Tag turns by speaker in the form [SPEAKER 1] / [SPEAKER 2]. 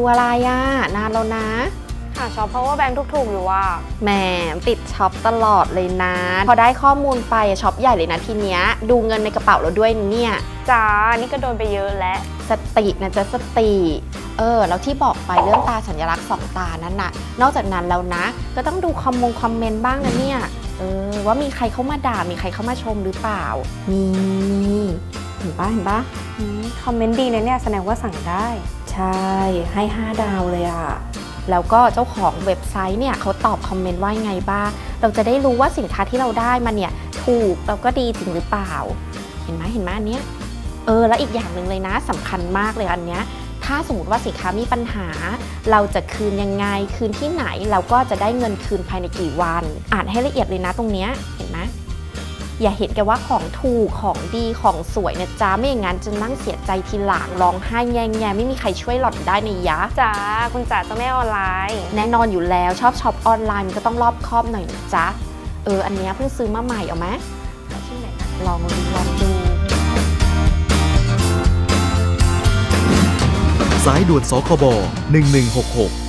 [SPEAKER 1] อะไรอ่ะนานแล้วนะ
[SPEAKER 2] หาช็อป power bank ถูกๆอยู่ว่า
[SPEAKER 1] แหมติดช็อปตลอดเลยนะพอได้ข้อมูลไปช็อปใหญ่เลยนะทีเนี้ยดูเงินในกระเป๋าเราด้วยเนี่ย
[SPEAKER 2] จ้านี่ก็โดนไปเยอะแล้ว
[SPEAKER 1] สตินะจ๊ะสติแล้วที่บอกไปเรื่องตาสัญลักษณ์2 ตานั้นน่ะนอกจากนั้นแล้วนะก็ต้องดูคอมเมนต์บ้างนะเนี่ยว่ามีใครเข้ามาด่ามีใครเข้ามาชมหรือเปล่านี่เห็นปะ
[SPEAKER 2] คอมเมนต์ดีนะเนี่ยแสดงว่าสั่งได้
[SPEAKER 1] ใช่ให้5 ดาวเลยอะแล้วก็เจ้าของเว็บไซต์เนี่ยเขาตอบคอมเมนต์ว่าไงบ้างเราจะได้รู้ว่าสินค้าที่เราได้มาเนี่ยถูกแล้วก็ดีจริงหรือเปล่าเห็นไหมอันเนี้ยแล้วอีกอย่างหนึ่งเลยนะสำคัญมากเลยอันเนี้ยถ้าสมมติว่าสินค้ามีปัญหาเราจะคืนยังไงคืนที่ไหนเราก็จะได้เงินคืนภายในกี่วันอ่านให้ละเอียดเลยนะตรงเนี้ยเห็นไหมอย่าเห็นแกว่าของถูกของดีของสวยนะจ๊ะไม่อย่างนั้นจะนั่งเสียใจทีหลังร้องไห้แง่ไม่มีใครช่วยหล่อนได้ในยะ
[SPEAKER 2] จ้าคุณจ๋าเจ้าแม่ออนไลน์
[SPEAKER 1] แน่นอนอยู่แล้วชอบช็อปออนไลน์มันก็ต้องรอบคอบหน่อยนะจ๊ะอันเนี้ยเพิ่งซื้อมาใหม่เอาไหม
[SPEAKER 2] ชิ้นไหนนะ
[SPEAKER 1] ลองดู
[SPEAKER 3] สายด่วนสคบ1166